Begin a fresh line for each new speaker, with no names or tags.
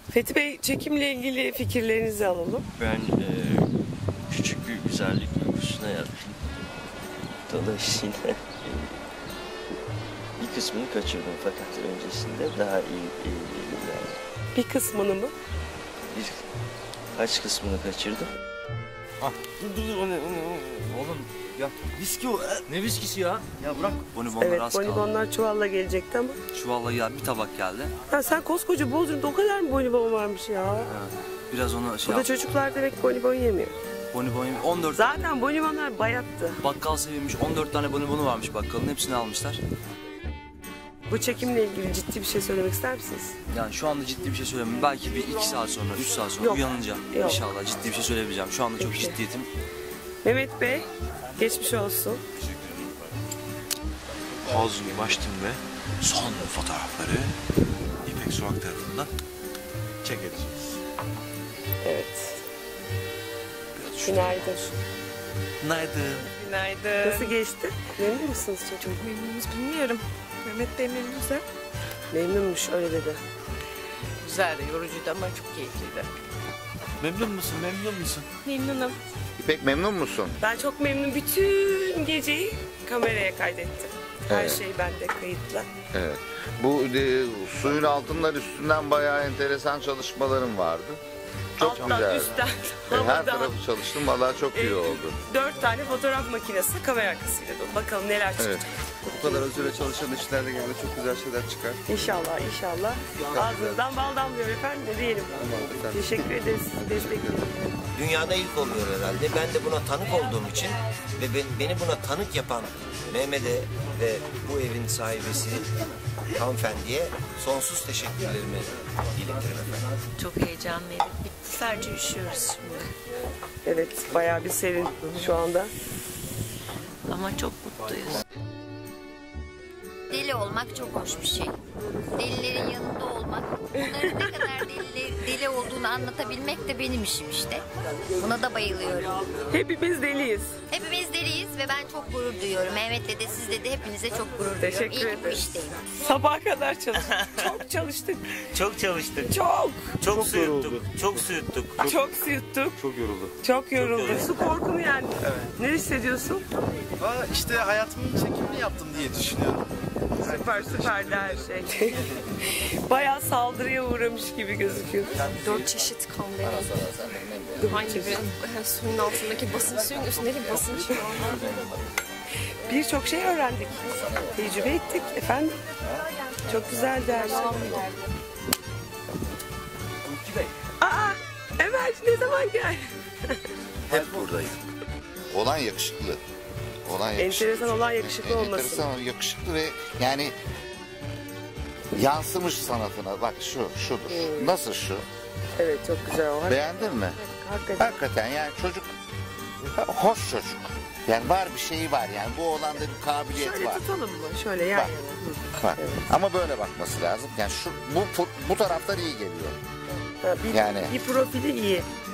Fethi Bey, çekimle ilgili fikirlerinizi alalım.
Ben küçük bir güzellik duygusuna yaptım. Dolayısıyla bir kısmını kaçırdım fakat öncesinde daha iyi yani
Bir kısmını mı?
kaç kısmını kaçırdım.
Ah, dur o ne? Oğlum ya viski o. Ne viskisi ya? Ya bırak. Bonibonlar
Evet,
az kaldı.
bonibonlar çuvalla gelecekti ama.
Çuvalla ya bir tabak geldi.
Ya sen koskoca Bodrum'da o kadar mı bonibon varmış ya?
Biraz onu şey
Bu da
yap.
çocuklar demek bonibon yemiyor.
Bonibon 14
Zaten bonibonlar bayattı.
bakkal sevilmiş 14 tane bonibonu varmış bakkalın hepsini almışlar.
Bu çekimle ilgili ciddi bir şey söylemek ister misiniz?
Yani şu anda ciddi bir şey söylemiyorum. Belki bir 2 saat sonra 3 saat sonra
Yok.
uyanınca
Yok.
inşallah ciddi bir şey söyleyebileceğim. Şu anda çok
Peki.
ciddiyetim.
Mehmet Bey, geçmiş olsun.
Havzunu açtım ve son fotoğrafları İpek Sokak tarafından çekileceğiz.
Evet.
Biraz
Günaydın.
Günaydın.
Günaydın.
Nasıl geçti? Memnun musunuz çocuk?
Çok memnunuz, bilmiyorum. Mehmet Bey memnunsa.
Memnunmuş, öyle dedi.
Güzeldi, yorucuydu ama çok keyifliydi.
Memnun musun? Memnun musun?
Memnunum.
İpek memnun musun?
Ben çok memnun. Bütün geceyi kameraya kaydettim. Her
Evet.
şey bende kayıtlı.
Evet. Bu suyun altından üstünden bayağı enteresan çalışmaların vardı. Çok
Alttan,
güzel.
üstten,
Her
havadan.
tarafı çalıştım. Vallahi çok iyi oldu.
4 tane fotoğraf makinesi kamera arkasıyla dolu. Bakalım neler çıkacak.
Evet.
Bu kadar özüre çalışan işlerle geldi çok güzel şeyler çıkar.
İnşallah, inşallah. Ağzınızdan bal damlıyor efendim. Ne diyelim. Teşekkür ederiz. Sizi destekliyorum.
Dünyada ilk oluyor herhalde. Ben de buna tanık olduğum için ve beni buna tanık yapan Mehmet'e ve bu evin sahibesi hanımefendiye sonsuz teşekkürlerimi iletirim efendim.
Çok heyecanlıydık. Bitti. Sadece üşüyoruz şimdi.
Evet, bayağı bir serin şu anda.
Ama çok mutluyuz.
Deli olmak çok hoş bir şey. Delilerin yanında olmak, onların ne kadar deli olduğunu anlatabilmek de benim işim işte. Buna da bayılıyorum.
Hepimiz deliyiz.
Hepimiz deliyiz ve ben çok gurur duyuyorum. Mehmet'le de sizle de hepinize çok gurur duyuyorum.
Teşekkür
İyi ki bu
ederim.
işteyim.
Sabaha kadar çalıştık. Çok çalıştık.
Çok çalıştık.
Çok.
Su yuttuk. Çok su yuttuk.
Çok su yuttuk.
Çok yoruldu.
Çok yorulduk. Su korkunu yendi. Ne hissediyorsun?
İşte hayatımın çekimini yaptım diye düşünüyorum.
Süperdi her şey. Bayağı saldırıya uğramış gibi gözüküyor.
4 çeşit kan benim. Hangi biri? Suyun altındaki basınç, suyun üstündeki basınç.
Birçok şey öğrendik. Tecrübe ettik efendim. Çok güzeldi her şey. Aa, Emel ne zaman gel?
Hep buradayım. Olan yakışıklı. Olan yakışıklı.
Enteresan olan yakışıklı olması.
Enteresan yakışıklı ve yani yansımış sanatına. Bak şudur. Nasıl şu?
Evet, çok güzel o.
Beğendin mi?
Hakikaten.
Hakikaten yani çocuk hoş çocuk. Yani var bir şeyi var yani bu oğlanda bir kabiliyet
Şöyle
var.
tutalım mı? Şöyle yan
Bak.
yana.
Bak. Ama böyle bakması lazım. Yani bu taraftar iyi geliyor.
Ha,
Yani.
bir profili iyi.